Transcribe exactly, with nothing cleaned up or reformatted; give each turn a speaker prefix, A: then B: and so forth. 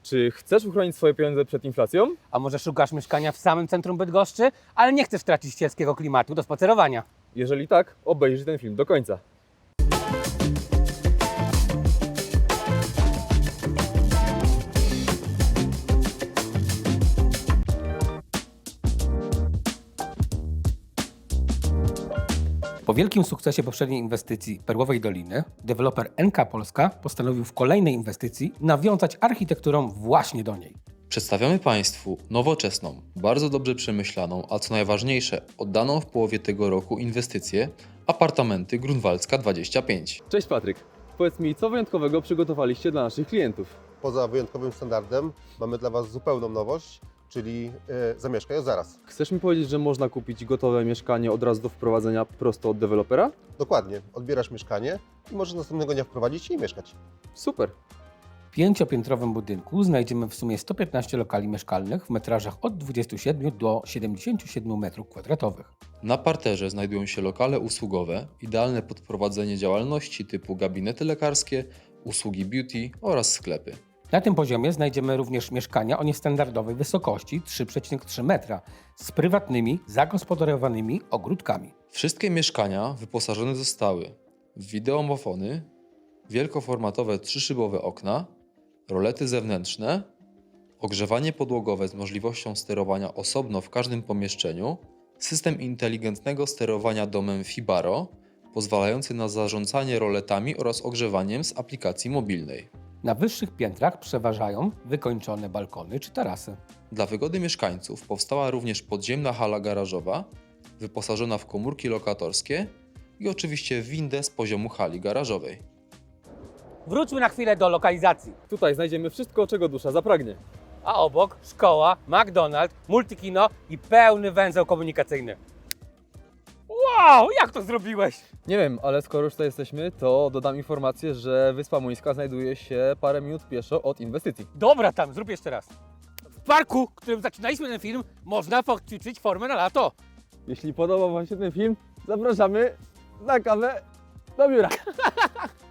A: Czy chcesz uchronić swoje pieniądze przed inflacją?
B: A może szukasz mieszkania w samym centrum Bydgoszczy, ale nie chcesz tracić sielskiego klimatu do spacerowania?
A: Jeżeli tak, obejrzyj ten film do końca.
B: Po wielkim sukcesie poprzedniej inwestycji Perłowej Doliny, deweloper N K Polska postanowił w kolejnej inwestycji nawiązać architekturą właśnie do niej.
C: Przedstawiamy Państwu nowoczesną, bardzo dobrze przemyślaną, a co najważniejsze, oddaną w połowie tego roku inwestycję apartamenty Grunwaldzka dwadzieścia pięć.
A: Cześć Patryk, powiedz mi, co wyjątkowego przygotowaliście dla naszych klientów?
D: Poza wyjątkowym standardem mamy dla Was zupełną nowość, czyli e, zamieszkaj od zaraz.
A: Chcesz mi powiedzieć, że można kupić gotowe mieszkanie od razu do wprowadzenia prosto od dewelopera?
D: Dokładnie, odbierasz mieszkanie i możesz następnego dnia wprowadzić się i mieszkać.
A: Super.
B: W pięciopiętrowym budynku znajdziemy w sumie sto piętnaście lokali mieszkalnych w metrażach od dwudziestu siedmiu do siedemdziesięciu siedmiu metrów kwadratowych.
C: Na parterze znajdują się lokale usługowe, idealne pod prowadzenie działalności typu gabinety lekarskie, usługi beauty oraz sklepy.
B: Na tym poziomie znajdziemy również mieszkania o niestandardowej wysokości trzy przecinek trzy metra z prywatnymi, zagospodarowanymi ogródkami.
C: Wszystkie mieszkania wyposażone zostały w wideomofony, wielkoformatowe trzyszybowe okna, rolety zewnętrzne, ogrzewanie podłogowe z możliwością sterowania osobno w każdym pomieszczeniu, system inteligentnego sterowania domem Fibaro, pozwalający na zarządzanie roletami oraz ogrzewaniem z aplikacji mobilnej.
B: Na wyższych piętrach przeważają wykończone balkony czy tarasy.
C: Dla wygody mieszkańców powstała również podziemna hala garażowa, wyposażona w komórki lokatorskie i oczywiście windę z poziomu hali garażowej.
B: Wróćmy na chwilę do lokalizacji.
A: Tutaj znajdziemy wszystko, czego dusza zapragnie.
B: A obok szkoła, McDonald's, multikino i pełny węzeł komunikacyjny. Wow, jak to zrobiłeś?
A: Nie wiem, ale skoro już tutaj jesteśmy, to dodam informację, że Wyspa Muńska znajduje się parę minut pieszo od inwestycji.
B: Dobra tam, zrób jeszcze raz. W parku, w którym zaczynaliśmy ten film, można poćwiczyć formę na lato.
A: Jeśli podobał Wam się ten film, zapraszamy na kawę do biura.